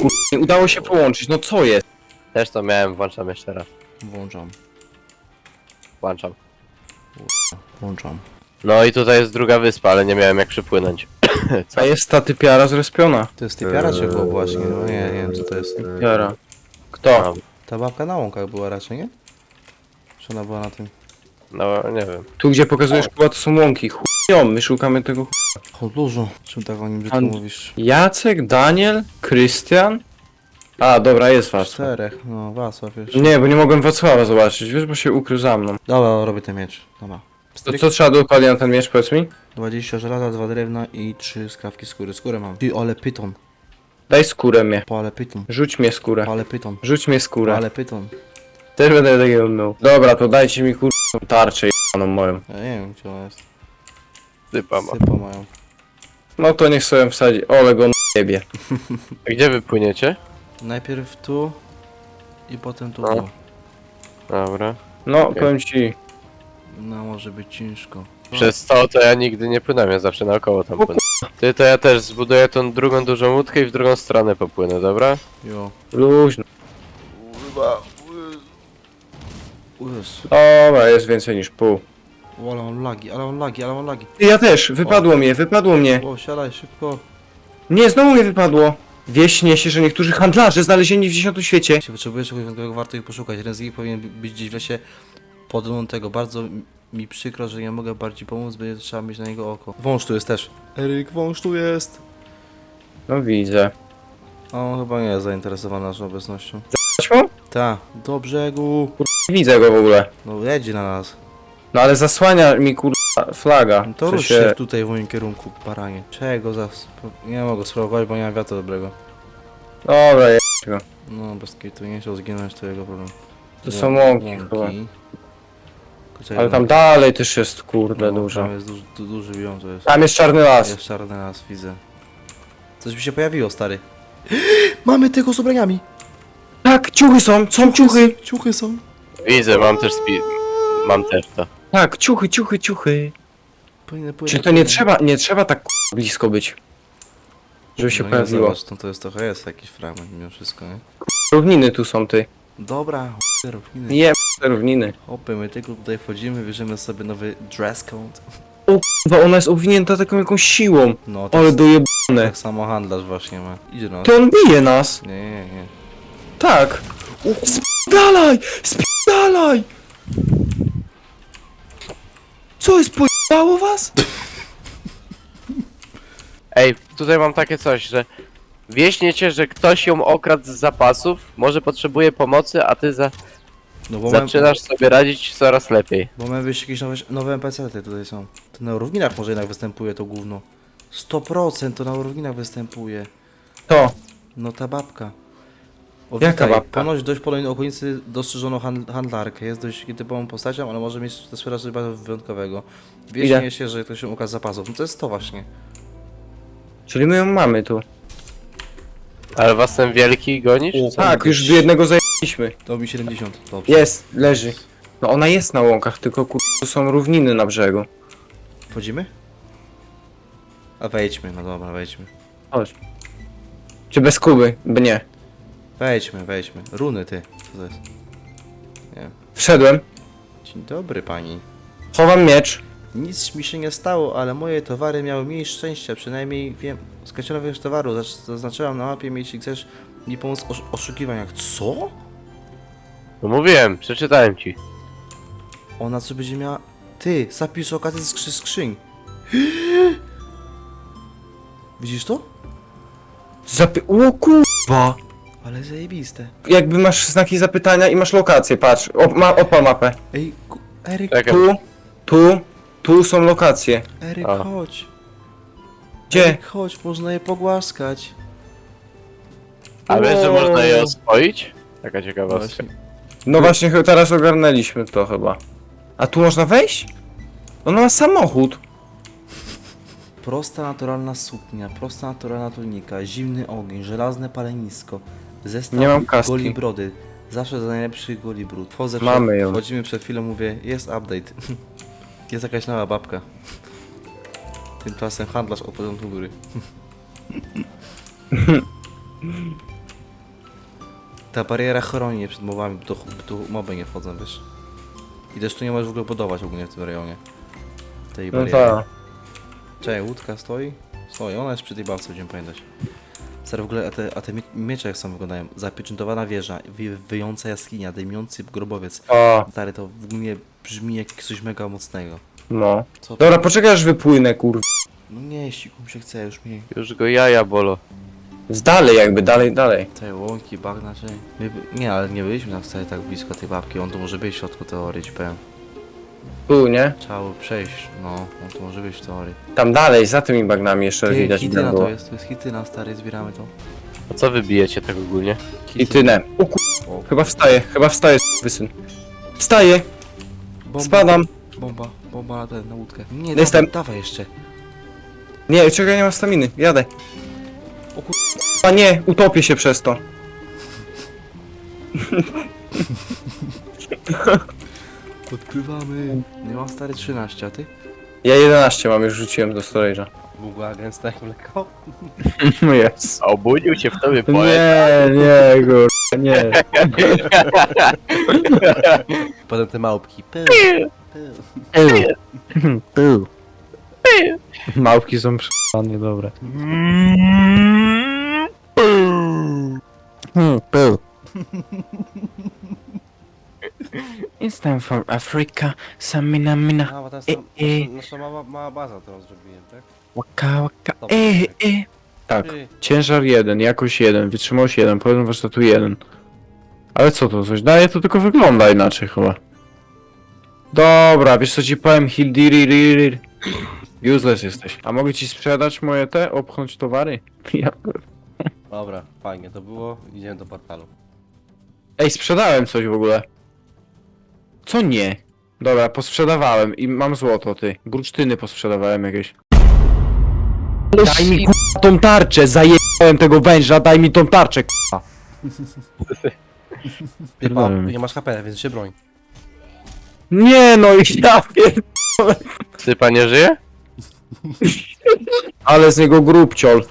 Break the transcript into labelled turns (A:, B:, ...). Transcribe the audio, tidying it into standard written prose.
A: nie udało się połączyć, no co jest?
B: Też to miałem, włączam jeszcze raz.
C: Włączam.
B: Włączam.
C: Włączam.
B: No i tutaj jest druga wyspa, ale nie miałem jak przypłynąć. Co?
A: A jest ta typiara zrespiona.
C: To jest typiara czy było właśnie? No nie wiem co to jest.
A: Typiara. Kto?
C: Ta babka na łąkach była raczej, nie? Czy ona była na tym?
B: No nie wiem.
A: Tu gdzie pokazujesz chyba to są łąki. Chują, my szukamy tego
C: O dużo. Czym tak o nim brzydko
A: And-
C: mówisz?
A: Jacek, Daniel, Krystian? A, dobra, jest Wacław.
C: Czterech. No Wacław jeszcze.
A: Nie, bo nie mogłem Wacława zobaczyć, wiesz, bo się ukrył za mną.
C: Dobra, robię ten miecz. Dobra.
A: To co trzeba dokładnie na ten miecz, powiedz mi?
C: 20 żelaza, 2 drewna i 3 skrawki skóry. Skórę mam. Ty, ale pyton.
A: Daj skórę mnie.
C: Ale pyton.
A: Rzuć mnie skórę.
C: Ale pyton.
A: Rzuć mnie skórę.
C: Ale pyton.
A: Też będę takiego mną. Dobra, to dajcie mi tarczę jebaną moją.
C: Ja nie wiem gdzie ona jest.
B: Sypa ma.
C: Sypa mają.
A: No to niech sobie wsadzi. Ole go jebie.
B: A gdzie wy płyniecie?
C: Najpierw tu i potem tu.
B: No. Dobra.
A: No,
B: Okej.
A: powiem ci.
C: No może być ciężko.
B: Przez to ja nigdy nie płynąłem, ja zawsze naokoło tam płynę. Ty to ja też zbuduję tą drugą dużą łódkę i w drugą stronę popłynę, dobra?
C: Jo.
A: Luźno.
C: Jezu.
A: Dobra, jest więcej niż pół.
C: O, ale mam lagi, ale mam lagi, ale mam lagi.
A: Ja też, wypadło mnie.
C: O, siadaj szybko.
A: Nie, znowu mnie wypadło. Wieśnie się, że niektórzy handlarze znalezieni w 10 świecie.
C: Jeśli potrzebujesz czegoś wyjątkowego, warto ich poszukać. Jeden z nich powinien być gdzieś w lesie podlątego. Bardzo mi przykro, że nie mogę bardziej pomóc, będzie trzeba mieć na niego oko. Wąż tu jest też. Eryk, wąż tu jest.
A: No widzę.
C: A on chyba nie jest zainteresowany naszą obecnością.
A: Chodźmy?
C: Ta, do brzegu.
A: Nie widzę go w ogóle.
C: No jedzie na nas.
A: No ale zasłania mi flaga.
C: No to
A: W
C: rusz
A: sensie-
C: się tutaj w moim kierunku, baranie. Czego za... Nie mogę spróbować, bo nie mam wiatru dobrego.
A: Dobra,
C: No, bez kitu, nie chciał zginąć, to jego problem.
A: to są łąki chyba.
C: Kurczę,
A: Ale tam dalej też jest kurde
C: no,
A: dużo.
C: Tam jest duży biom, to jest.
A: Tam jest czarny las.
C: Jest czarny las, widzę. Coś mi się pojawiło, stary. Mamy tego z ubraniami!
A: Tak, ciuchy są ciuchy.
C: Ciuchy są.
B: Widzę, mam też to.
A: Tak, ciuchy.
C: Płynę.
A: Czy to nie trzeba tak blisko być? Żeby się
C: no
A: pojawiło.
C: Zobacz, to jest trochę jest jakiś fragment mimo wszystko, nie?
A: Równiny tu są ty.
C: Dobra, równiny.
A: Nie, równiny.
C: Hopy, my tylko tutaj wchodzimy, bierzemy sobie nowy dress code.
A: Bo ona jest obwinięta taką jakąś siłą.
C: No,
A: Ale dojebane.
C: tak samo handlarz właśnie ma. Idzie no.
A: To on bije nas.
C: Nie.
A: Tak. Spierdalaj! Co jest, pojebało was?
B: Ej, tutaj mam takie coś, że wieśniecie, że ktoś ją okradł z zapasów, może potrzebuje pomocy, a ty
C: No bo
B: zaczynasz sobie radzić coraz lepiej.
C: Bo mamy wyjść jakieś nowe NPC-ty tutaj są. To na równинach może jednak występuje to gówno. 100% to na równinach występuje.
A: To.
C: No ta babka. O,
A: Jaka
C: witaj.
A: babka?
C: Ponoć dość polnej okolicy dostrzeżono handlarkę. Jest dość typową postacią, ale może mieć też coś bardzo wyjątkowego. Wieśnie
A: Ile?
C: się, że ktoś się ukaz zapasów. No to jest to właśnie.
A: Czyli my ją mamy tu.
B: Ale was ten wielki goni, czy co?
A: Tak, już do jednego zajęliśmy.
C: To mi 70. Dobrze.
A: Jest, leży. No ona jest na łąkach, tylko tu są równiny na brzegu.
C: Wchodzimy? A wejdźmy, no dobra, wejdźmy.
A: Chodź. Czy bez Kuby? Nie.
C: Wejdźmy. Runy ty. Co to jest? Nie.
A: Wszedłem.
C: Dzień dobry pani.
A: Chowam miecz.
C: Nic mi się nie stało, ale moje towary miały mniej szczęścia, przynajmniej wiem. Skreślono większość towaru, zaznaczyłam na mapie, jeśli chcesz mi pomóc w oszukiwaniach. Co?
B: No mówiłem, przeczytałem ci.
C: Ona co będzie miała... Ty, zapis okazji skrzyń. Widzisz to?
A: O kurwa.
C: Ale zajebiste.
A: Jakby masz znaki zapytania i masz lokację, patrz. Odpal mapę.
C: Ej, Eryk,
B: Czekaj.
A: Tu są lokacje.
C: Eryk,
B: A.
C: chodź.
A: Gdzie?
C: Eryk, chodź, można je pogłaskać.
B: A wiesz, że
A: O.
B: można je oswoić? Taka ciekawostka.
C: Właśnie.
A: No właśnie, teraz ogarnęliśmy to chyba. A tu można wejść? Ona ma samochód.
C: Prosta naturalna suknia, prosta naturalna tunika, zimny ogień, żelazne palenisko, zestaw
A: Nie mam kaski.
C: goli brody. Zawsze za najlepszy goli brud.
A: Mamy ją.
C: Wchodzimy przed chwilą, mówię, jest update. Jest jakaś nowa babka. Tymczasem handlarz od początku góry. Ta bariera chroni mnie przed mobami, bo tu moby nie wchodzą, wiesz? I też tu nie możesz w ogóle budować ogólnie w tym rejonie. Tej
A: No
C: bariery.
A: tak.
C: Czekaj, łódka stoi? Stoi, ona jest przy tej bawce, będziemy pamiętać. Stary, w ogóle, a te miecze jak są wyglądają? Zapieczętowana wieża, wyjąca jaskinia, dymiący grobowiec.
A: O,
C: Stary, to w ogóle brzmi jak coś mega mocnego.
A: no.
C: Co to?
A: Dobra, poczekaj aż wypłynę, kurwa.
C: No nie, ścigł mi się chce, już mi...
B: Już go jaja bolo.
A: Z dalej jakby, dalej.
C: Te łąki, bagna, czy... Nie, ale nie byliśmy tam wcale tak blisko tej babki, on tu może być w środku teorii, ci powiem.
A: Tu, nie?
C: Trzeba by przejść, no, on tu może być w teorii.
A: Tam dalej, za tymi bagnami jeszcze
C: Ty,
A: widać.
C: hityna
A: było.
C: to jest hityna, stary, zbieramy to.
B: A co wy bijecie tak ogólnie?
A: I tynę. O kur...
C: O,
A: Chyba wstaje, wysyn. Wstaję,
C: bomba,
A: spadam.
C: bomba na łódkę. Nie,
A: Jestem.
C: dawaj jeszcze.
A: Nie, czekaj, nie mam staminy, jadę.
C: O kur...
A: A nie, utopię się przez to.
C: Odpływamy. Nie mam stary 13, a ty?
A: Ja 11 mam, już rzuciłem do storage'a.
C: Była gęsta jak mleko.
A: No jest.
B: A obudził się w tobie poet.
A: Nie, kurwa, nie.
C: Potem te małpki.
A: Małpki są przyjemne, dobre. It's time for Africa, samina mina,
C: A, bo teraz nasza mała baza teraz zrobiłem, tak?
A: waka waka,
C: Dobra.
A: Tak,
C: Ty.
A: ciężar 1, jakość 1, wytrzymałość 1, poziom warsztatu 1. Ale co to coś daje? To tylko wygląda inaczej chyba. Dobra, wiesz co ci powiem, Hildiri. Useless jesteś. A mogę ci sprzedać moje te, opchnąć towary? Ja...
C: Dobra, fajnie to było. Idziemy do portalu.
A: Ej, sprzedałem coś w ogóle. Co nie? Dobra, posprzedawałem i mam złoto, ty. Bursztyny posprzedawałem jakieś. Daj mi k***a tą tarczę, zajebałem tego węża, daj mi tą tarczę k***a.
C: Nie masz HP, więc się broń.
A: Nie no, ja pier...
B: Sypa nie żyje?
A: Ale z niego grubciol.